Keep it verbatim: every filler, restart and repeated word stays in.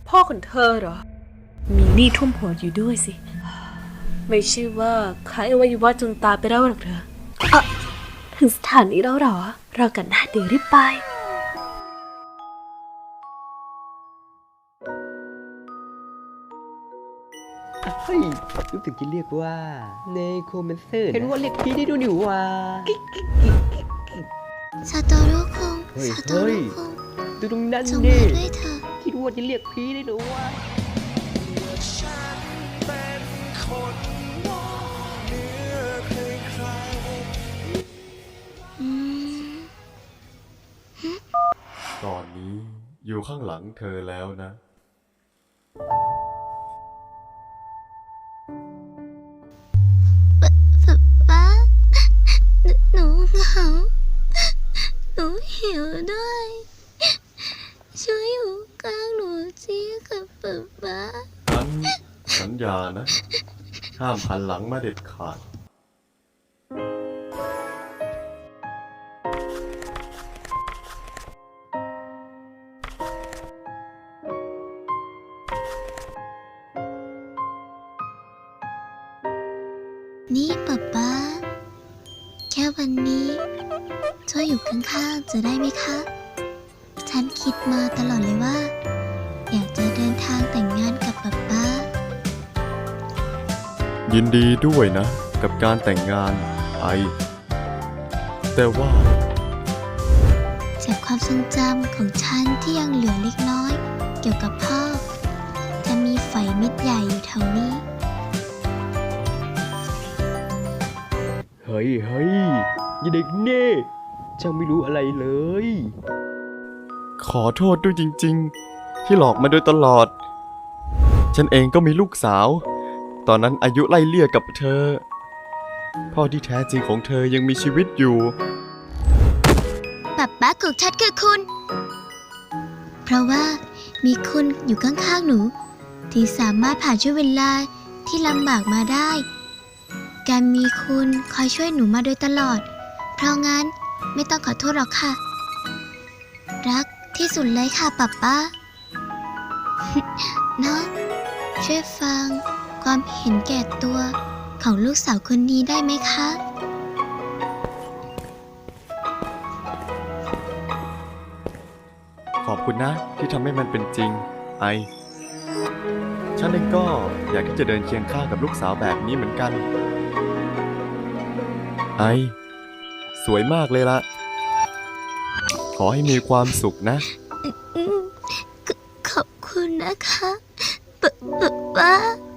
พ่อของเธอเหรอมีหนี้ท่วมหัวอยู่ด้วยสิไม่ใช่ว่าขายอวัยวะจนตายไปแล้วหรอกเธออะถึงสถานีแล้วเหรอเรากันหน้าเดี๋ยวรีบไปเฮ้ยรู้สึกจะเรียกว่าเนโครแมนเซอร์เห็นว่าเรียกพี่ได้ดูหนิว่าซาโตโร่คุงเฮ้ยซาโตเฮ้โร่ยคุงดูตรงนั้นจงดิมาด้วยเถอะคิดว่าจะเรียกพี่ได้หรือว่าอืมตอนนี้อยู่ข้างหลังเธอแล้วนะป๊าหนูเหงาหนูหิวด้วย ช่วยอยู่กลางหนูจีกับป๊าป๊าฉันสัญญานะ ห้ามหันหลังมาเด็ดขาดนี่ป๊าป๊าแค่วันนี้ช่วยอยู่ข้างๆจะได้ไหมคะ ฉันคิดมาตลอดเลยว่า อยากจะเดินทางแต่งงานกับป๊าป๊ายินดีด้วยนะ กับการแต่งงานไอ แต่ว่าจากความทรงจำของฉันที่ยังเหลือเล็กน้อย เกี่ยวกับพ่อ จะมีไฝเม็ดใหญ่อยู่แถวนี้เฮ้ยเฮ้ยอย่าเด็กเน่เจ้าไม่รู้อะไรเลยขอโทษด้วยจริงๆ ที่หลอกมาโดยตลอด ฉันเองก็มีลูกสาว ตอนนั้นอายุไล่เลี่ยกับเธอ พ่อที่แท้จริงของเธอยังมีชีวิตอยู่ป๊าป๊าของฉันคือคุณ เพราะว่ามีคุณอยู่ข้างๆหนู ที่สามารถผ่านช่วงเวลาที่ลำบากมาได้ การมีคุณคอยช่วยหนูมาโดยตลอด เพราะงั้นไม่ต้องขอโทษหรอกค่ะ รักที่สุดเลยค่ะป๊าป๊า เนาะช่วยฟังความเห็นแก่ตัวของลูกสาวคนนี้ได้ไหมคะขอบคุณนะที่ทำให้มันเป็นจริง ไอ ฉันเองก็อยากที่จะเดินเคียงข้างกับลูกสาวแบบนี้เหมือนกัน ไอ สวยมากเลยละ ขอให้มีความสุขนะอืมขขอบคุณนะคะป๊าป๊า